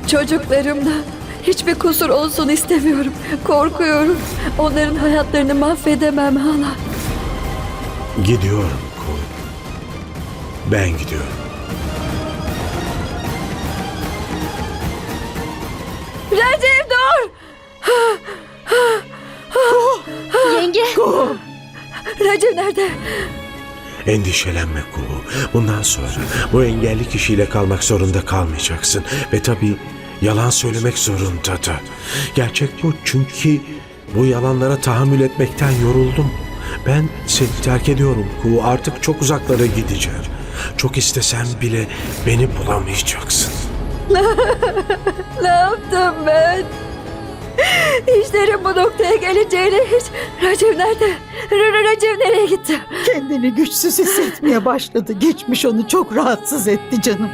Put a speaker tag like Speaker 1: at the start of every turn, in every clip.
Speaker 1: Çocuklarımda hiçbir kusur olsun istemiyorum. Korkuyorum. Onların hayatlarını mahvedemem hala.
Speaker 2: Gidiyorum Kuğu. Ben gidiyorum.
Speaker 1: Recep dur!
Speaker 3: Yenge.
Speaker 1: Recep nerede?
Speaker 2: Endişelenme Kuğu. Bundan sonra bu engelli kişiyle kalmak zorunda kalmayacaksın. Ve tabii yalan söylemek zorunda da. Gerçek bu, çünkü bu yalanlara tahammül etmekten yoruldum. Ben seni terk ediyorum Kuğu. Artık çok uzaklara gideceğim. Çok istesen bile beni bulamayacaksın.
Speaker 1: Ne yaptım ben? İşlerin bu noktaya geleceğini hiç... Recep nerede? Recep nereye gitti?
Speaker 4: Kendini güçsüz hissetmeye başladı. Geçmiş onu çok rahatsız etti canım.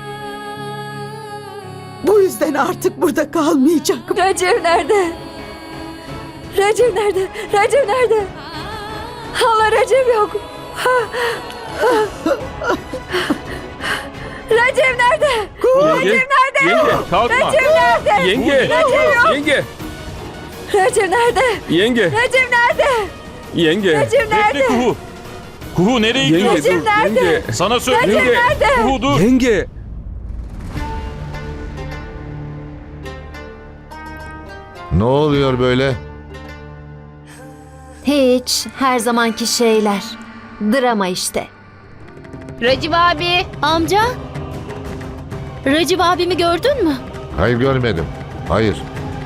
Speaker 4: Bu yüzden artık burada kalmayacak.
Speaker 1: Recep nerede? Recep nerede? Recep nerede? Hala Recep yok. Recep nerede?
Speaker 5: Yenge, yenge kalkma.
Speaker 1: Recep nerede?
Speaker 5: Yenge,
Speaker 1: Recep yok.
Speaker 5: yenge,
Speaker 1: Recep nerede?
Speaker 5: yenge,
Speaker 1: Recep nerede?
Speaker 5: yenge.
Speaker 1: Recep nerede?
Speaker 6: Bekle Kuhu. Kuhu nereye
Speaker 5: Yenge
Speaker 6: gidiyorsun?
Speaker 1: Recep
Speaker 5: dur,
Speaker 1: nerede?
Speaker 5: yenge.
Speaker 6: Sana söyle.
Speaker 1: Recep
Speaker 5: Yenge,
Speaker 1: nerede?
Speaker 6: Kuhu dur.
Speaker 5: Yenge.
Speaker 7: Ne oluyor böyle?
Speaker 3: Hiç. Her zamanki şeyler. Drama işte.
Speaker 8: Recep abi.
Speaker 3: Amca. Recep abimi gördün mü?
Speaker 7: Hayır, görmedim. Hayır.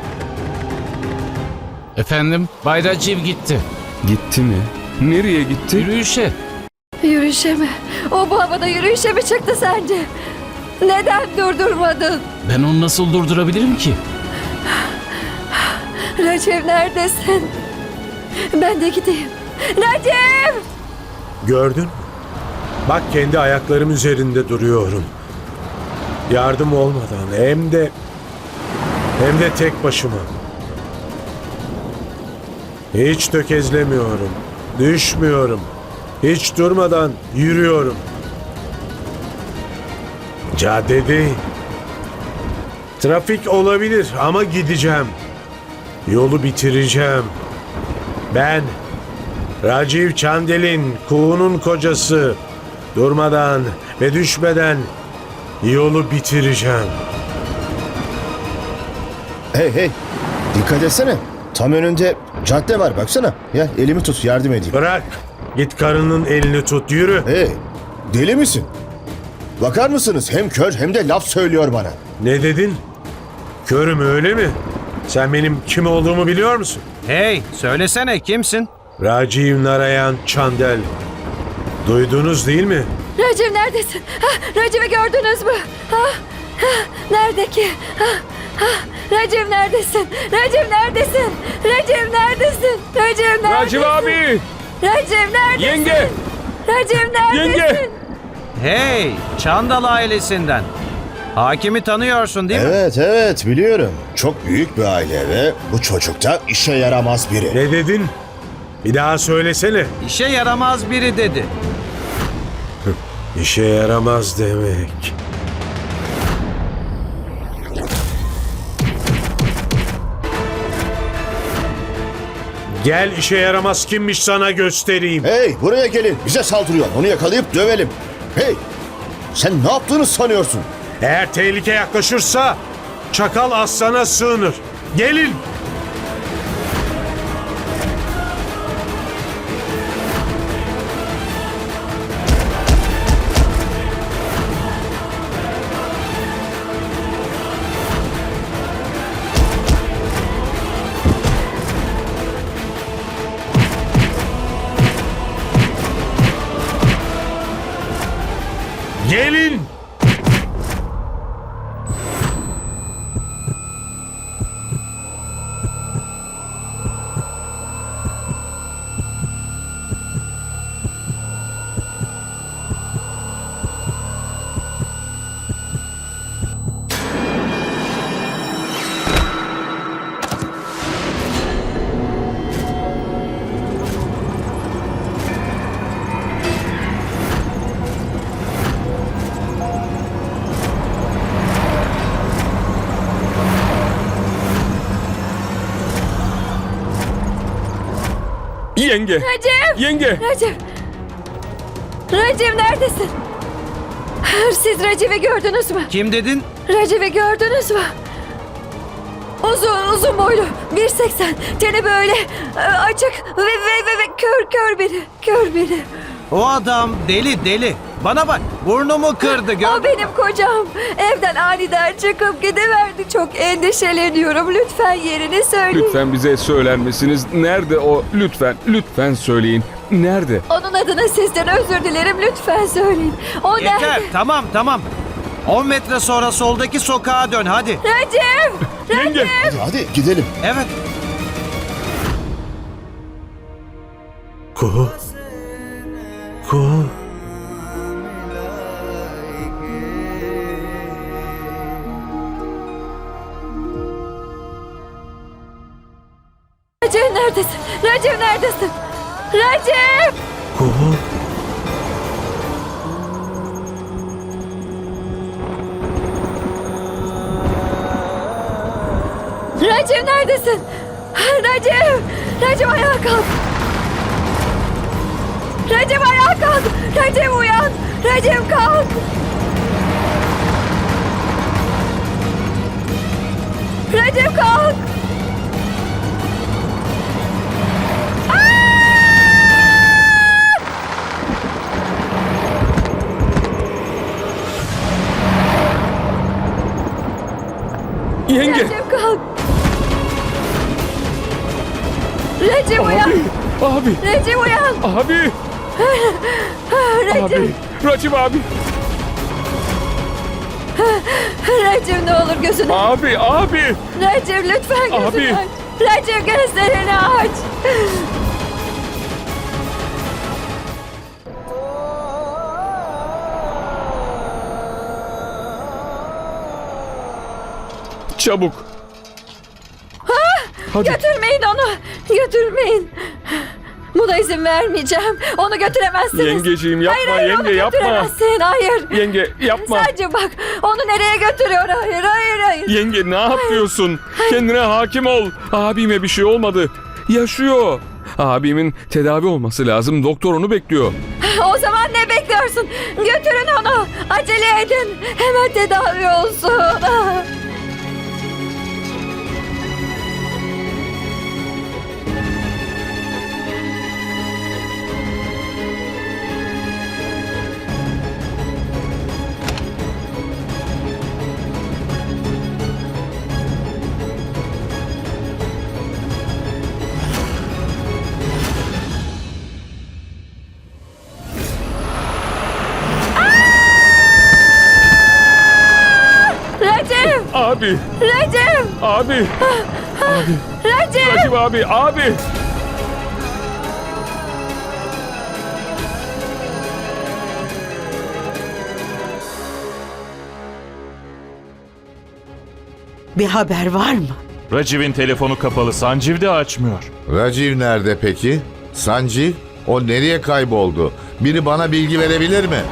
Speaker 6: Efendim, Bay Raciv gitti.
Speaker 5: Gitti mi? Nereye gitti?
Speaker 6: Yürüyüşe.
Speaker 1: Yürüyüşe mi? O bu havada yürüyüşe mi çıktı sence? Neden durdurmadın?
Speaker 6: Ben onu nasıl durdurabilirim ki?
Speaker 1: Recep neredesin? Ben de gideyim. Recep!
Speaker 2: Gördün mü? Bak, kendi ayaklarım üzerinde duruyorum. Yardım olmadan hem de tek başıma. Hiç tökezlemiyorum. Düşmüyorum. Hiç durmadan yürüyorum. Caddedeyim. Trafik olabilir ama gideceğim. Yolu bitireceğim. Ben Raciv Chandel'in, Kuğu'nun kocası. Durmadan ve düşmeden yolu bitireceğim.
Speaker 9: Hey hey, dikkat etsene. Tam önünde cadde var, baksana. Ya elimi tut, yardım edeyim.
Speaker 2: Bırak. Git karının elini tut, yürü.
Speaker 9: Hey, deli misin? Bakar mısınız? Hem kör hem de laf söylüyor bana.
Speaker 2: Ne dedin? Körüm, öyle mi? Sen benim kim olduğumu biliyor musun?
Speaker 10: Hey, söylesene kimsin?
Speaker 2: Raciv Narayan Chandel. Duydunuz değil mi?
Speaker 1: Recep neredesin? Recep'i gördünüz mü? Nerede ki? Recep neredesin? Recep neredesin? Recep neredesin? Recep neredesin?
Speaker 5: Raciv abi.
Speaker 1: Recep neredesin?
Speaker 5: Yenge.
Speaker 1: Recep neredesin?
Speaker 5: Yenge.
Speaker 10: Hey, Çandal ailesinden. Hakimi tanıyorsun değil mi?
Speaker 9: Evet evet, biliyorum. Çok büyük bir aile ve bu çocuk da işe yaramaz biri.
Speaker 2: Ne dedin? Bir daha söylesene.
Speaker 10: İşe yaramaz biri dedi.
Speaker 2: İşe yaramaz demek. Gel, işe yaramaz kimmiş sana göstereyim.
Speaker 9: Hey, buraya gelin. Bize saldırıyor. Onu yakalayıp dövelim. Hey, sen ne yaptığını sanıyorsun?
Speaker 2: Eğer tehlike yaklaşırsa çakal aslana sığınır. Gelin. Gelin.
Speaker 5: Yenge.
Speaker 1: Recep!
Speaker 5: Yenge.
Speaker 1: Recep! Recep neredesin? Siz Recep'i gördünüz mü?
Speaker 10: Kim dedin?
Speaker 1: Recep'i gördünüz mü? Uzun boylu, 1.80, teni böyle açık ve kör biri, kör biri.
Speaker 10: O adam deli. Bana bak, burnumu kırdı
Speaker 1: O benim kocam. Evden aniden çıkıp gidiverdi. Çok endişeleniyorum. Lütfen yerini söyleyin.
Speaker 5: Lütfen bize söyler misiniz? Nerede o? Lütfen söyleyin. Nerede?
Speaker 1: Onun adına sizden özür dilerim. Lütfen söyleyin. O
Speaker 10: Yeter,
Speaker 1: nerede?
Speaker 10: tamam. 10 metre sonra soldaki sokağa dön hadi.
Speaker 1: Recep!
Speaker 5: Yenge.
Speaker 9: Hadi gidelim.
Speaker 10: Evet.
Speaker 2: Kuhu. Kuhu.
Speaker 1: Recep neredesin? Recep neredesin? Recep!
Speaker 2: Kuhu.
Speaker 1: Recep neredesin? Recep! Recep ayağa kalk! Recep ayağa kalk! Recep uyan! Recep kalk! Recep kalk!
Speaker 5: Yenge.
Speaker 1: Recep kalk! Recep uyan!
Speaker 5: Abi.
Speaker 1: Recep uyan!
Speaker 5: Abi.
Speaker 1: Recep!
Speaker 5: Abi. Racib abi.
Speaker 1: Recep ne olur gözünü
Speaker 5: Abi.
Speaker 1: Recep lütfen gözünü
Speaker 5: Abi.
Speaker 1: aç. Recep gözlerini aç.
Speaker 5: Çabuk. Hadi.
Speaker 1: Götürmeyin onu. Götürmeyin. Buna izin vermeyeceğim. Onu götüremezsiniz.
Speaker 5: Yengeciğim yapma,
Speaker 1: hayır,
Speaker 5: yenge
Speaker 1: onu
Speaker 5: yapma.
Speaker 1: götüremezsin. Hayır.
Speaker 5: Yenge yapma.
Speaker 1: Sadece bak onu nereye götürüyor. Hayır.
Speaker 5: Yenge ne yapıyorsun? Kendine hakim ol. Abime bir şey olmadı. Yaşıyor. Abimin tedavi olması lazım. Doktor onu bekliyor.
Speaker 1: O zaman ne bekliyorsun? Götürün onu. Acele edin. Hemen tedavi olsun. Recep!
Speaker 5: Abi.
Speaker 1: Recep!
Speaker 5: Abi.
Speaker 1: Recep!
Speaker 5: Racib abi.
Speaker 4: Bir haber var mı?
Speaker 6: Raciv'in telefonu kapalı. Sanjiv de açmıyor.
Speaker 7: Raciv nerede peki? Sanjiv? O nereye kayboldu? Biri bana bilgi verebilir mi?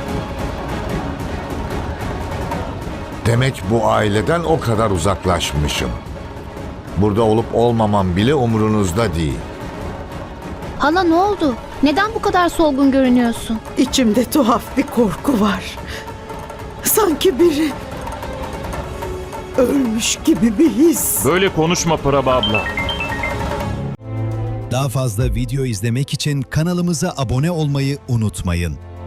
Speaker 7: Demek bu aileden o kadar uzaklaşmışım. Burada olup olmamam bile umurunuzda değil.
Speaker 8: Hala ne oldu? Neden bu kadar solgun görünüyorsun?
Speaker 4: İçimde tuhaf bir korku var. Sanki biri ölmüş gibi bir his.
Speaker 6: Böyle konuşma Prabha abla.
Speaker 11: Daha fazla video izlemek için kanalımıza abone olmayı unutmayın.